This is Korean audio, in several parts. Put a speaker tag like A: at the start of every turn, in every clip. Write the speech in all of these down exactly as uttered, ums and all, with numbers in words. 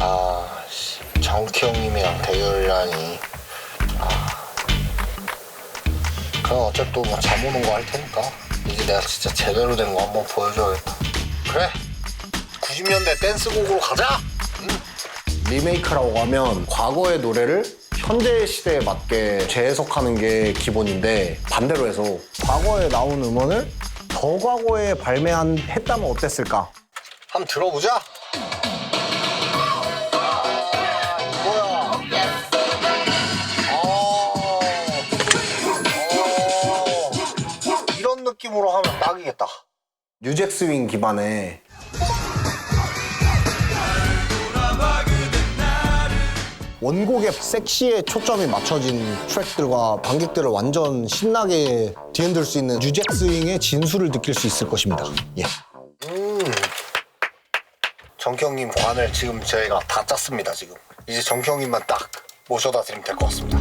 A: 아, 씨, 정키 형님이랑 대결이라니. 아. 그럼 어차피 또 뭐 잠 오는 거 할 테니까 이제 내가 진짜 제대로 된 거 한번 보여줘야겠다. 그래, 구십 년대 댄스곡으로 가자. 응. 리메이크라고 하면 과거의 노래를 현대 시대에 맞게 재해석하는 게 기본인데, 반대로 해서 과거에 나온 음원을 더 과거에 발매한 했다면 어땠을까? 한번 들어보자. 느낌으로 하면 딱이겠다. 뉴잭 스윙 기반의 원곡의 섹시에 초점이 맞춰진 트랙들과 관객들을 완전 신나게 뒤흔들 수 있는 뉴잭 스윙의 진수를 느낄 수 있을 것입니다. 예. 음. 정키 형님 관을 지금 저희가 다 짰습니다. 지금 이제 정키 형님만 딱 모셔다 드리면 될 것 같습니다.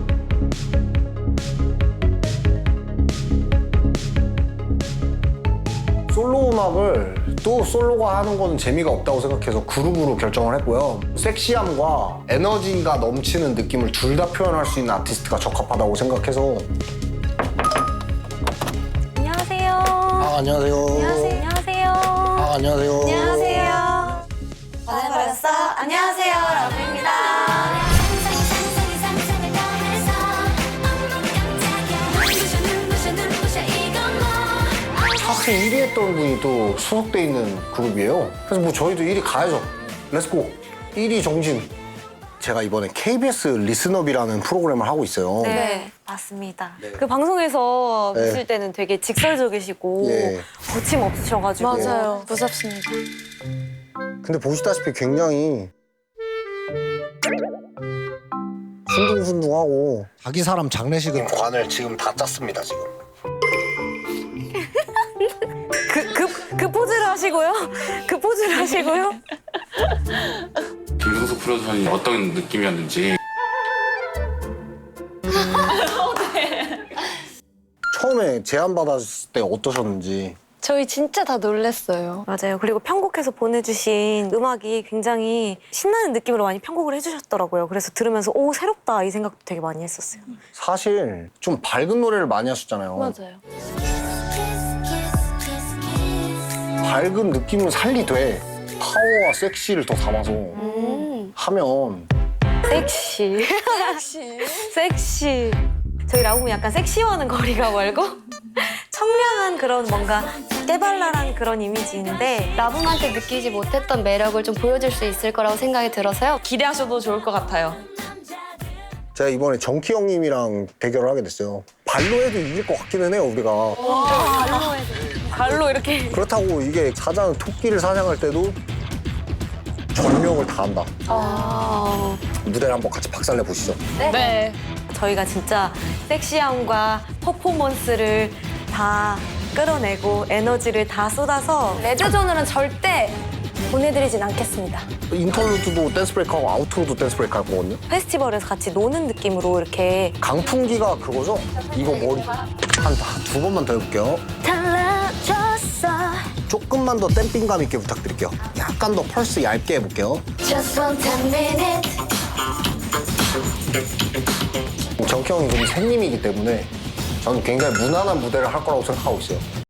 A: 솔로 음악을 또 솔로가 하는 거는 재미가 없다고 생각해서 그룹으로 결정을 했고요. 섹시함과 에너지가 넘치는 느낌을 둘 다 표현할 수 있는 아티스트가 적합하다고 생각해서.
B: 안녕하세요.
A: 아, 안녕하세요.
B: 안녕하세요. 안녕하세요.
A: 아, 안녕하세요.
B: 안녕하세요. 반해버렸어. 안녕하세요. 라브입니다.
A: 사실 일 위 했던 분이 또 소속돼 있는 그룹이에요. 그래서 뭐 저희도 일 위 가야죠. 렛츠고. 일 위 정신. 제가 이번에 케이비에스 리스너비라는 프로그램을 하고 있어요.
B: 네, 네. 맞습니다. 네. 그 방송에서
A: 네.
B: 보실 때는 되게 직설적이시고
A: 예.
B: 거침없으셔가지고
C: 맞아요. 무섭습니다.
A: 근데 보시다시피 굉장히 순둥순둥하고 자기 사람 장례식은 관을 지금 다 짰습니다. 지금.
B: 그, 그, 그 포즈를 하시고요? 그 포즈를 하시고요?
D: 김성수 프로듀서님 어떤 느낌이었는지.
A: 처음에 제안받았을 때 어떠셨는지.
C: 저희 진짜 다 놀랬어요.
B: 맞아요. 그리고 편곡해서 보내주신 음악이 굉장히 신나는 느낌으로 많이 편곡을 해주셨더라고요. 그래서 들으면서 오, 새롭다 이 생각도 되게 많이 했었어요.
A: 사실 좀 밝은 노래를 많이 하셨잖아요.
C: 맞아요.
A: 밝은 느낌을 살리되 파워와 섹시를 더 담아서
B: 음.
A: 하면
B: 섹시.
C: 섹시.
B: 섹시. 저희 라붐은 약간 섹시와는 거리가 멀고 청량한 그런 뭔가 깨발랄한 그런 이미지인데
E: 라붐한테 느끼지 못했던 매력을 좀 보여줄 수 있을 거라고 생각이 들어서요.
F: 기대하셔도 좋을 것 같아요.
A: 제가 이번에 정키 형님이랑 대결을 하게 됐어요. 발로 해도 이길 것 같기는 해요, 우리가.
B: 발로 해도 발로 이렇게
A: 그렇다고 이게 사장, 토끼를 사냥할 때도 전력을 다한다.
B: 아...
A: 무대를 한번 같이 박살내 보시죠.
B: 네.
F: 네.
B: 저희가 진짜 섹시함과 퍼포먼스를 다 끌어내고 에너지를 다 쏟아서
C: 레드존으로는 절대 보내드리진 않겠습니다.
A: 인터루드도 댄스 브레이크하고 아우트로도 댄스 브레이크 할 거거든요.
B: 페스티벌에서 같이 노는 느낌으로 이렇게
A: 강풍기가 그거죠? 이거 머리 한 두 번만 더 해볼게요.
C: 달라졌어.
A: 조금만 더 댐핑감 있게 부탁드릴게요. 약간 더 펄스 얇게 해볼게요.
C: Just one ten minute.
A: 정키 형이 좀 새님이기 때문에 저는 굉장히 무난한 무대를 할 거라고 생각하고 있어요.